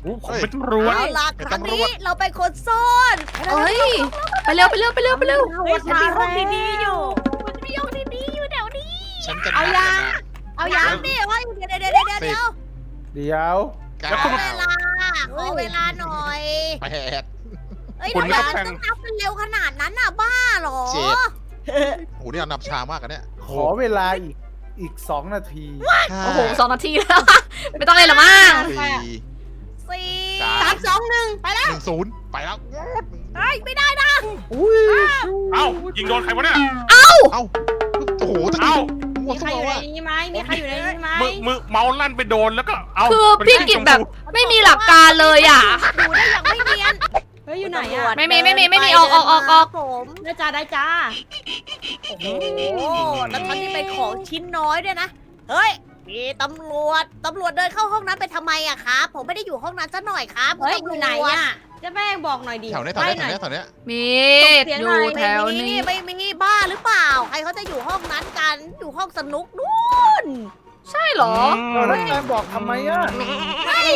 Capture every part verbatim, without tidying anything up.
ผมเป็นตำรวจเอาล่ะครั้งนี้เราเป็นคนซ่อนเอ้ยไปเร็วไปเร็วไปเร็วไปเร็วเฮ้ยฉันมีห้องดีๆอยู่มันจะมีห้องดีๆอยู่แถวนี้ฉันจะเอานับยาเลยนะเอายาดิเฮ้ยเดี๋ยวเดี๋ยวเดี๋ยวเดี๋ยวเดี๋ยวเดี๋ยวเก้าแล้วคุณเวลาขอเวลาหน่อยแปดเอ้ยคุณทำไมก็มันแข่งต้องนับเป็นเร็วขนาดนั้นน่ะบ้าเหรอเจ็ด โอ้โหนี่เรานับช้ามากกันเนี่ยขอเวลาอีกอีกสองนาทีห้าโอ้โหสองนาทีแล้ว ไม่ต้องเลยหรอมั้งสี่สี่สามสามสองหนึ่งไปแล้วหนึ่งศูนย์ไปแล้วเฮ้ยไม่ได้นะอุ้ยเอ้ายิงโดนใครวะเนี่ยเอ้าโอ้โหตะกี้เอ้ามั่วมีใคซั่รวอยู่ในว่ะนี้ไหมมีใครอยู่ในนี้ไหมมือมือเมาส์ลั่นไปโดนแล้วก็เอาคือเป็นพี่กิจแบบไม่มีหลักการเลยอ่ะดูได้อย่างไม่เนียนเฮ้ยอยู่ไหนอะไม่มีไม่มีไม่มีออกออกออกออกผมได้จ้าได้จ้าโอ้โหแล้วท่านที่เป็นของชิ้นน้อยด้วยนะเฮ้ยมีตำรวจตำรวจเดินเข้าห้องนั้นไปทำไมอะครับผมไม่ได้อยู่ห้องนั้นซะหน่อยครับเฮ้ยคุณอตำรวจยู่ไหนอะเจะแม่งบอกหน่อยดิแถวเนี้ยแถวไปเนี้ยหแถน่วอยเนี้ยแถวเนี้ยมีส่งเสียงอหน่ยู่อยแถวนี้ไม่มีบ้าหรือเปล่า ใครเขาจะอยู่ห้องนั้นกัน อยู่ห้องสนุกนู่นใช่เหรอเราแล้วแกบอกทำไมอ่ะใช่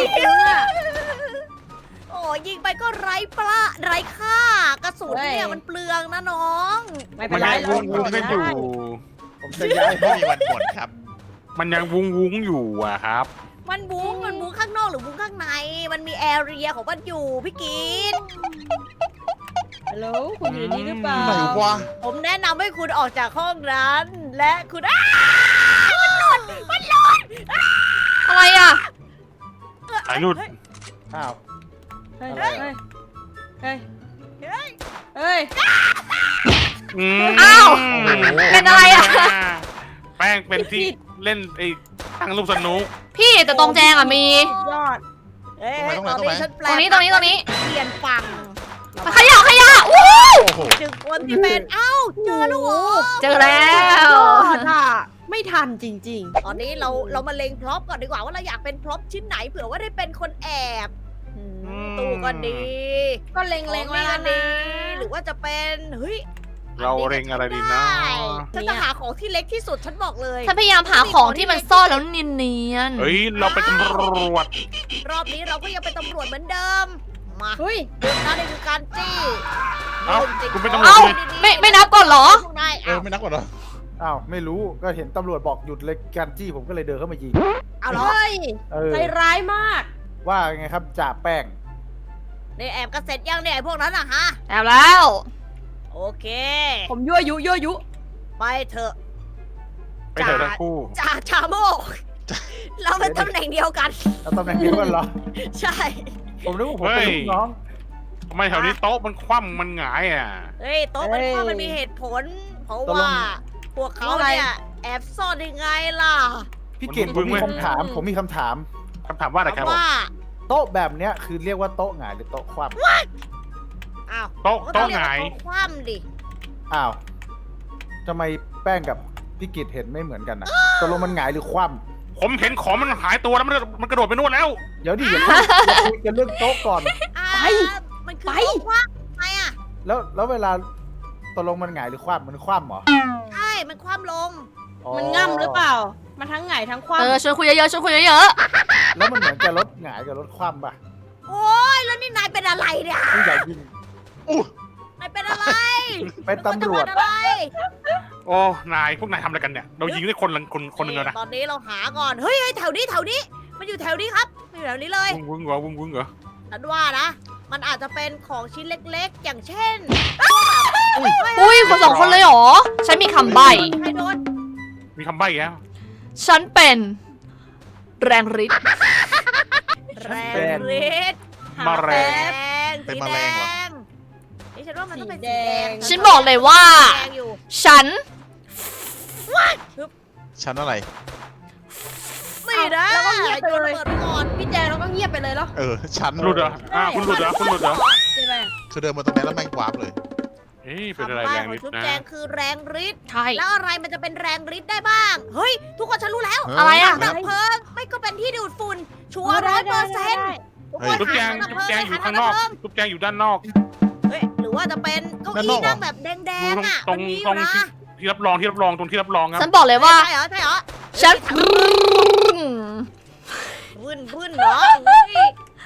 โอ้ยิงไปก็ไร้ปลาไร้ค่ากระสุนเนี่ยมันเปลืองนะน้องไม่เป็มัน นไรยังวุ้งวุ้งกันอยู่ผมจะย้ายไม่มีวันหมดครับมันยังวุ้งวุ้งอยู่อะครับมันบุ้งมันบุ้งข้างนอกหรือบุ้งข้างใน มันมีแอเรียของมันอยู่พี่กีนฮัลโหลคุณอยู่ในนี้หรือเปล่าไหนวะผมแนะนำให้คุณออกจากห้องนั้น และคุณอ้าอะไรอ่ะสายหลุดอ้าวเฮ้ยอะไรเฮ้ยอะเฮ้ยเฮ้ยเฮ้ยมอ้าว เป็นอะไรอะแป้งเป็นที่เล่นไอ้ตั้งรูปสนุกพี่แต่ตรงแจงอ่ะมียอดเอ้ยตอนนี้ฉันแปลตรงนี้ตรงนี้ตรงนี้เปลี่ยนฝั่งขยะขยะอู้โอ้โหถึงคนที่เป็นเอ้าเจอแล้วเหรอเจอแล้วยอดอะไม่ทันจริงตอนนี้เราเรามาเล็งพร็อพก่อนดีกว่าว่าเราอยากเป็นพร็อพชิ้นไหนเผื่อว่าได้เป็นคนแอบอืมตู้ก็ดีๆ ก็เล็งเล็ๆงไว้ก็แล้วดีนะหรือว่าจะเป็นเฮ้ยเราเร่งอะไรดีนะฉันจะหาของที่เล็กที่สุดฉันบอกเลยฉันพยายามหาของที่มันซ่อนแล้วเนียนเฮ้ยเราเป็นตำรวจรอบนี้เราก็ยังเป็นตำรวจเหมือนเดิมมาเฮ้ยหยุดนะนี่คือการจี้เอ้าคุณเป็นตำรวจเอ้าไม่ไม่นับก่อนเหรอพวกนายเอเอาอไม่นับก่อนเหรออ้าวไม่รู้ก็เห็นตำรวจบอกหยุดเลยการจี้ผมก็เลยเดินเข้ามายิงเอาเหรอเฮ้ยเออใจร้ายมากว่าไงครับจ่าแป้งนี่แอบกันเสร็จยังเนี่ยไอ้พวกนั้นอะฮะแอบแล้วโอเคผมยั่วยุยั่วยุไปเถอะไปเถอะทั้งคู่จ่าชาโมก เราเป็นตำแหน่งเดียวกันแล้วตำแหน่งเดียวกันเหรอใช่ผมนึกว่าผมเป็นลูกน้องทำไมแถวนี้โต๊ะมันคว่ำมันหงายอ่ะเฮ้ยโต๊ะมันว่ามันมีเหตุผล เพราะว่า พวกเขาเนี่ยแอบซ่อนยังไงล่ะพี่เก่งผมมีคำถาม ผมมีคำถามคำถามว่าอะไรครับผมว่าโต๊ะแบบเนี้ยคือเรียกว่าโต๊ะหงายหรือโต๊ะคว่อ้าวโต๊ะก็ต้โต๊ะองเรียหกงายว่าโต๊ะคว่ำดิำอ้าวทำไมแป้งกับพี่กิจเห็นไม่เหมือนกันนะตกลงมันหงายหรือคว่ผมเห็นของมันหายตัวแล้วมันมันกระโดดไปนู่นแล้วำเดี๋ยวดิอย่าเพิ่งอย่าคุยกันเรื่องโต๊ะก่อนอ่าไปมันคือไปโต๊ะคว่ำทำไมอ่ะแล้วแล้วเวลาตกลงมันหงายหรือคว่ำมันคว่ำเหรอใช่ มันคว่ำลงอ๋อมันง่ำหรือเปล่า มันทั้งไงทั้งคว่ำเออชวนคุยเยอะๆชวนคุยเยอะแล้วมันเหมือนจะรถหงายกับรถคว่ำป่ะโอ้ยแล้วนี่นายเป็นอะไรเนี่ยผู้ใหญ่ยิงนายเป็นอะไรเป็นตำรวจนึกาจะเป็นอะไรโอ้นายพวกนายทำอะไรกันเนี่ยเรายิงได้คนละคนคนหนึ่งแล้วนะตอนนี้เราหาก่อน เฮ้ยเฮ้ยแถวนี้แถวนี้ มันอยู่แถวนี้ครับมันอยู่แถวนี้เลยวุ้งวุ้งเหรอวุ้งวุ้งเหรอฉันว่านะ มันอาจจะเป็นของชิ้นเล็กๆ อย่างเช่นๆอุ้ยคนสองคนเลยเหรอ ฉันมีคำใบ้ใครโดนมีคำใบ้อีกแล้วฉันเป็นแรงฤทธิ์แรงฤทธิ์มาแรแดงงเป็นสีแมแดลงเหรองนี่ฉันว่ามันต้องเป็นสีสีแดแดงงฉันบอกเลยว่าแดงอยู่ฉันชั้นอะไรนี่นะแล้วก็เงียบไปเลยโนระเบิดก่อนพี่แจงเราก็เงียบไปเลยเหรอเออชั้นหลุดเหรออ่าคุณหลุดเหรอคุณหลุดเหรอใช่ไหมคือเดินมาตรงนี้แล้วแม่งวาร์ปเลยเฮ้ยเป็นอะไรคำใบ้แรงของนิดชุดนะแจงคือแรงฤทธิ์ใช่แล้วอะไรมันจะเป็นแรงฤทธิ์ได้บ้าง เฮ้ย ทุกคนฉันรู้แล้วอะไรอะดับเพลิงไม่ก็เป็นที่ดูดฝุ่น ชัวร์ร้อยเปอร์เซ็นต์ทุกคนทุกแจงหาทุถักแจงดับเพลิอยู่ข้างนอกหถัดับเพลิทุกแจงอยู่ด้านนอกเฮ้ย หรือว่าจะเป็นเก้าด้านนอี้อกเหรอนั่งแบบแดงๆอ่ะตรงมันมีอตรยู่งนะที่รับรองที่รับรองตรงที่รับรองครับฉันบอกเลยว่าใช่เหรอใช่เหรอฉันพื้นพื้นเหรอเฮ้ย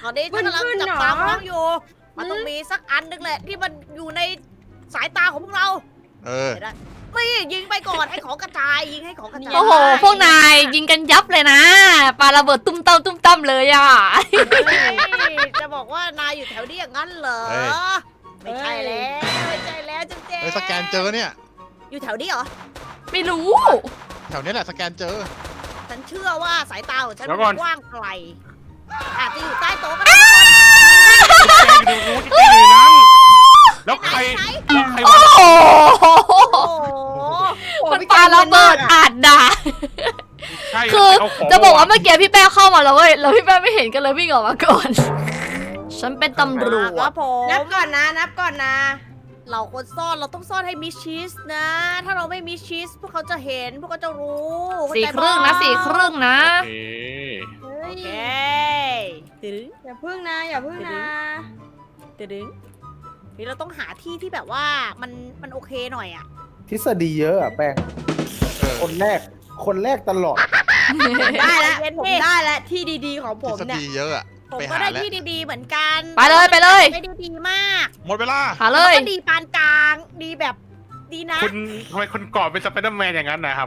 ตอนนี้ฉันกำลังจับตามองอยู่ มันต้องมีสักอันนึงแหละที่มันอยู่ในสายตาของพวกเราเออไม่ยิงไปก่อนให้ของกระจายยิงให้ของกระจายโอ้โห พวกนายยิงกันยับเลยนะปาระเบิดตุ้มตั้มตุ้มตั้มเลยอ่ะเฮ้ยจะบอกว่านายอยู่แถวนี้อย่างนั้นเหรอเฮ้ยไม่ใช่แล้วไม่ใช่แล้วจุ๊บเจ๊เฮ้ยสแกนเจอเนี่ยอยู่แถวนี้เหรอไม่รู้แถวนี้แหละสแกนเจอฉันเชื่อว่าสายตาของฉันเดี๋ยวก่อนกว้างไกลอาจจะอยู่ใต้โต๊ะก็ได้แกอยู่ดูที่แกอยู่ในนั้นแล้วใครไหนแล้วใครโอ้วะโหโอ้โหมันปาระเบิดอาจด่าใช่คือเอาของจะบอกว่าเมื่อกี้พี่แป้งเข้ามาแล้วเว้ย แล้วพี่แป้งไม่เห็นกันเลยวิ่งออกมาก่อน ฉันเป็นตำรวครัจบผมนับก่อนนะ นับก่อนนะเราควรซ่อนเราต้องซ่อนให้มิดชิสนะ ถ้าเราไม่มิดชิสพวกเขาจะเห็นพวกเขาจะรู้สี่ครึ่งนะสี่ครึ่งนะโอเคเฮ้โอย เคตึดึงอย่าพึ่งนะ อย่าพึ่งนะตึดึงนี่เราต้องหาที่ที่แบบว่ามันมันโอเคหน่อยอะทฤษฎีเยอะอะแป้งเออคนแรก คนแรกตลอดได้แล้วเย็นๆผมดิได้แล้วที่ดีๆของทผฤมษเนี่ยฎีเยอะอะผมไปก็หาได้แล้วที่ดีๆเหมือนกันไปเลยไปเลยได้ดีๆมากหมดเวลาหาเลแล้วยก็ดีปานกลาง ดีแบบดีนะคุณทำไมคุณกอดเป็นสไปเดอร์แมนอย่างนั้นนะครับ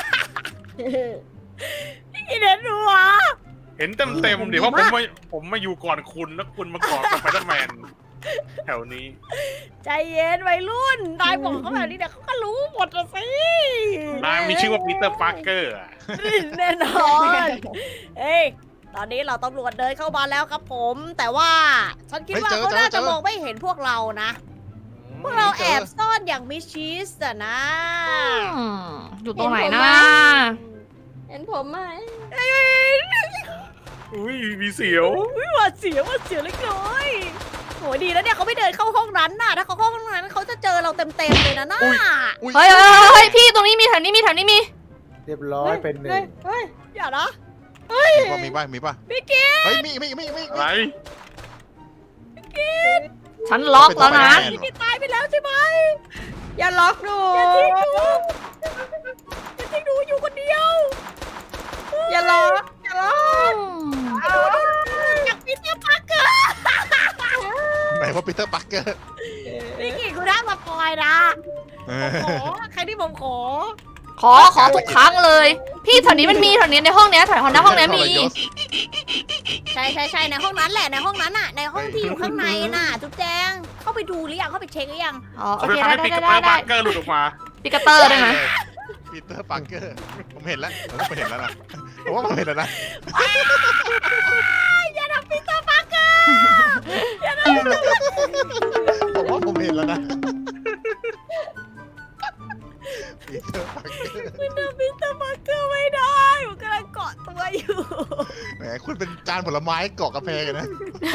อีเดนดูวะเห็นเต็มเต็มๆเดี๋ยวว่าผมมาผมมาอยู่ก่อนคุณแล้วคุณมากอดสไปเดอร์แมนแถวนี้ใจเย็นวัยรุ่นนายบอกเขาแบบนี้เดี๋ยวเขาก็รู้หมดละสินายมีชื่อว่าปีเตอร์ปาร์เกอร์อะแน่นอน เฮ้ย ตอนนี้เราตำรวจเดินเข้ามาแล้วครับผม แต่ว่าฉันคิดว่าเฮ้ยเจอเขาน่าเจจะอมองไม่เห็นพวกเรานะ พวกเราแอบซ่อนอย่างมิดชิสอะนะอืมอยู่ตรงไหนนะเห็นผมไหมอุ้ยมีเสียวอุ๊ยหวาดเสียวหวาดเสียวเล็กน้อยโหดีแล้วเนี่ยเขาไม่เดินเข้าห้องนั้นน่ะ ถ้าเขาเข้าห้องนั้นเขาจะเจอเราเต็มๆเลยนะน่าอุ๊ยเฮ้ยเฮ้ยเฮ้ยพี่ตรงนี้มีแถวนี้มีแถวนี้มีเรียบร้อยเป็นหนึ่เฮ้งยเฮ้ยอย่านะมีป่ะมีป่ะมีป่ะพี่กิ๊กเฮ้ยมีมีมีมีอะไรฉันล็อกแล้วนะเป็นพี่กิ๊กตายไปแล้วใช่ไหมอย่าล็อกดูอย่าทิ้งดูอย่าทิ้งดูอยู่คนเดียวอย่าล็อกอย่าล็อกอยากปีเตอร์ปาร์เกอร์ไหนว่าปีเตอร์ปาร์เกอร์พี่กิ๊กคุณน่ามาปอยนะเอขออใครที่ผมขอขอขอทุกครั้งเลย พี่แถวนี้มันมีแถวนี้ในห้องเนี้ยแถวในห้องเนี้ยมีใช่ใช่ใช่ในห้องนั้นแหละในห้องนั้นน่ะในห้องที่อยู่ข้างในน่ะจุ๊บแจงเข้าไปดูหรือยังเข้าไปเช็คหรือยังอ๋อโอเขาเคจะทำได้ให้ปีได้เตอได้ร์ได้ปาร์เกอร์หลุดออกมาปิกาเตอร์ได้ไหมปีเตอร์ปาร์เกอร์ผมเห็นแล้วผมเห็นแล้วนะผมว่าผมเห็นแล้วนะอย่าทำปีเตอร์ปาร์เกอร์ผมว่าผมเห็นแล้วนะปีเตอร์ปาร์เกอร์คุณทำปีเตอร์ปาร์เกอร์ไม่ได้ผมกำลังเกาะตัวอยู่แหมคุณเป็นจานผลไม้เกาะกาแฟกันนะ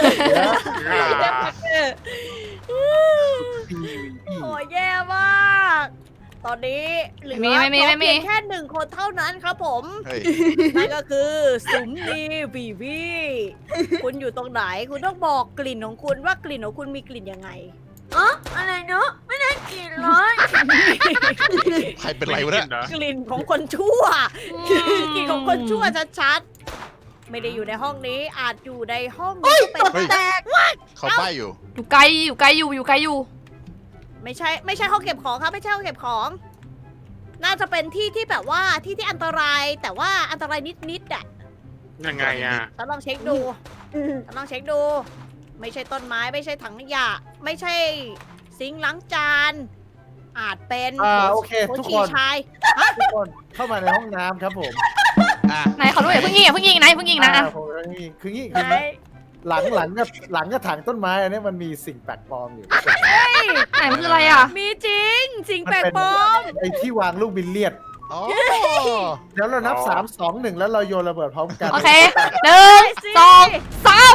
โอ้ยแย่มาก ตอนนี้เหลือไม่มีไม่มีไม่มีเพียงแค่หนึ่งคนเท่านั้นครับผมเฮ้ยนั่นก็คือสุมนีบีบีคุณอยู่ตรงไหน คุณต้องบอกกลิ่นของคุณว่ากลิ่นของคุณมีกลิ่นยังไงอ๋ออะไรเนาะไม่ได้กลิ่นเลยใครเป็นไรวะเนี่ยกลิ่นของคนชั่ว กลิ่นของคนชั่วชัดๆ ไม่ได้อยู่ในห้องนี้ อาจอยู่ในห้องนี้ก็เป็นเฮ้ยแตกเขาป้ายอยู่อยู่ไกลอยู่ไกลอยู่อยู่ไกลอยู่ไม่ใช่ไม่ใช่ห้องเก็บของครับไม่ใช่ห้องเก็บของ น่าจะเป็นที่ที่แบบว่าที่ที่อันตรายแต่ว่าอันตรายนิดๆอ่ะยังไงอ่ะฉันลองเช็คดูฉันลองเช็คดู ไม่ใช่ต้นไม้ไม่ใช่ถังขยะ ไม่ใช่ซิงค์ล้างจาน อาจเป็นอ่าโอเคโถทุกฉี่คนชายทุกคนเข้ามาในห้องน้ำครับผมอ่ะไหนขอรู้อย่าเพิ่งยิงอย่าเพิ่งยิงนะอย่าเพิ่งยิงนะอ่าอ่ะผมนี่คืองี้ไหนคือหลังหลังกับหลังกับถังต้นไม้อันนี้มันมีสิ่งแปลกปลอมอยู่ไหนมันคืออะไรอ่ะมีจริง สิ่งแปลกปลอมไอ้ที่วางลูกบิลเลียดอ๋อเดี๋ยวเรานับอ๋อสามสองหนึ่งแล้วเราโยนระเบิดพร้อมกันโอเคหนึ่งสองสาม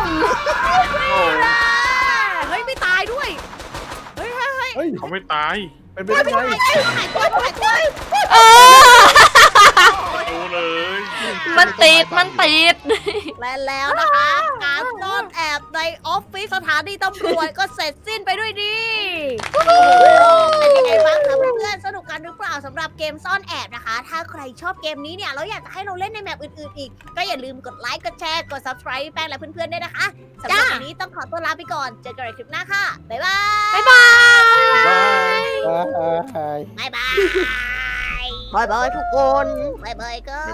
เฮ้ยไม่ตายด้วย เฮ้ยเฮ้ยเฮ้ยเฮ้ยเขาไม่ตายเป็นไปได้ไงหายตัวหายตัวเออดูเลยมันติดมันติดและแล้วนะคะ การซ่อนแอบในออฟฟิศสถานีตำรวจก็เสร็จสิ้นไปด้วยดีโอ้โหเป็นยังไงบ้างคะเพื่อนๆสนุกกันหรือเปล่าสำหรับเกมซ่อนแอบนะคะ ถ้าใครชอบเกมนี้เนี่ยแล้วอยากจะให้เราเล่นในแมปอื่นๆอีก ก็อย่าลืมกดไลค์กดแชร์กด subscribe แป้งและเพื่อนๆด้วยนะคะสำหรับวันนี้ต้องขอตัวลาไปก่อนเจอกันในคลิปหน้าค่ะบ๊ายบายบ๊ายบายบายบ๊ายบายบายบายทุกคนบายบายก็